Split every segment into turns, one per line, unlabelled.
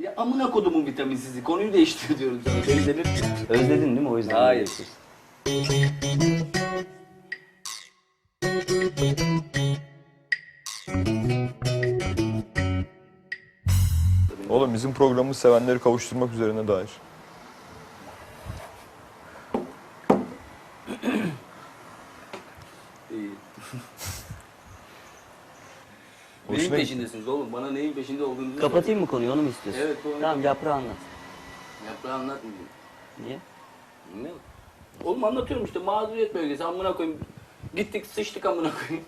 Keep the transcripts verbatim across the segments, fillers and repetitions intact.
Ya amına kodumun vitaminsizi. Konuyu değiştir diyorum sana. Özledin, özledin değil mi o yüzden?
Hayır.
Oğlum bizim programımız sevenleri kavuşturmak üzerine dair.
İyi.
Hoşuna
Neyin
gitti.
peşindesiniz oğlum? Bana neyin peşinde olduğunuzu
Kapatayım mı konuyu, onu mu istiyorsun?
Evet, konuyu
Tamam,
kapat.
yaprağı anlat.
Yaprağı anlatmayayım.
Niye?
Ne? Oğlum anlatıyorum işte mağduriyet bölgesi amına koyayım. Gittik sıçtık amına koyayım.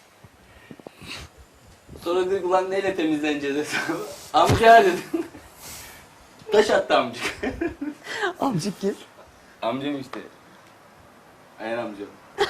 Sonra dedik ulan neyle temizleneceğiz hesabı? Amca dedim. Taş attı amcık.
Amcık kim?
Amcam işte. Ayhan amcam.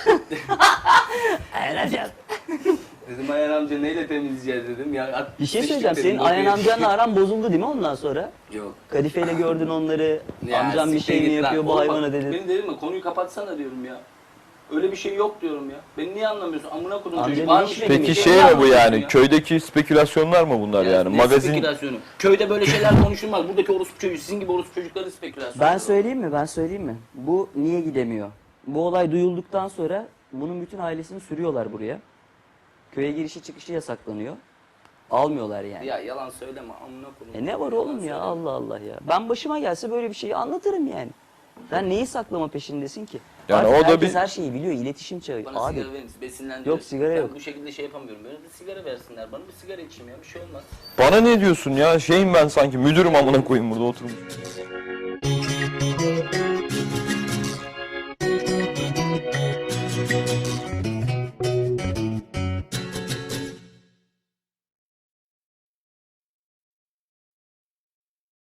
Ayhan amcam.
Dedim Ayhan amca neyle temizleyeceğiz dedim. Ya, at,
Bir şey
sıçtık
söyleyeceğim,
dedim,
senin
bokuya
Ayhan
düştük.
amcanla aran bozuldu değil mi ondan sonra?
Yok.
Kadifeyle gördün onları,
Ya,
amcam bir
siktir
şey mi
git lan.
yapıyor bu
Oğlum
hayvana
bak,
dedin.
Benim dedim mi konuyu kapatsana diyorum ya. Öyle bir şey yok diyorum ya. Beni niye anlamıyorsun? Amına kodum
Amca
çocuk.
ne
Var mı
iş
şey?
benim
Peki
için?
şey
Niye
mi bu
anlamıyorsun
yani?
ya?
Köydeki spekülasyonlar mı bunlar
Ya
yani?
ne
Magazin
spekülasyonu? Köyde böyle şeyler konuşulmaz. Buradaki orospu çocuğu, sizin gibi orospu çocukların spekülasyonu.
Ben söyleyeyim mi, ben söyleyeyim mi? Bu niye gidemiyor? Bu olay duyulduktan sonra bunun bütün ailesini sürüyorlar buraya. Köye girişi çıkışı yasaklanıyor. Almıyorlar yani.
Ya yalan söyleme amına kodum.
E ne var
Yalan
oğlum ya,
söyleme.
Allah Allah ya. Ben başıma gelse böyle bir şeyi anlatırım yani. Sen neyi saklama peşindesin ki?
Yani
Artık
o da
herkes
bir-
her şeyi biliyor, iletişim çağı.
Bana
Abi
sigara verin, besinlendiriyor.
Yok, sigara
ben
yok.
bu şekilde şey yapamıyorum. Böyle bir sigara versinler. Bana bir sigara içeyim ya, bir şey olmaz.
bana ne diyorsun ya? Şeyim ben sanki müdürüm amına koyayım burada oturmuş.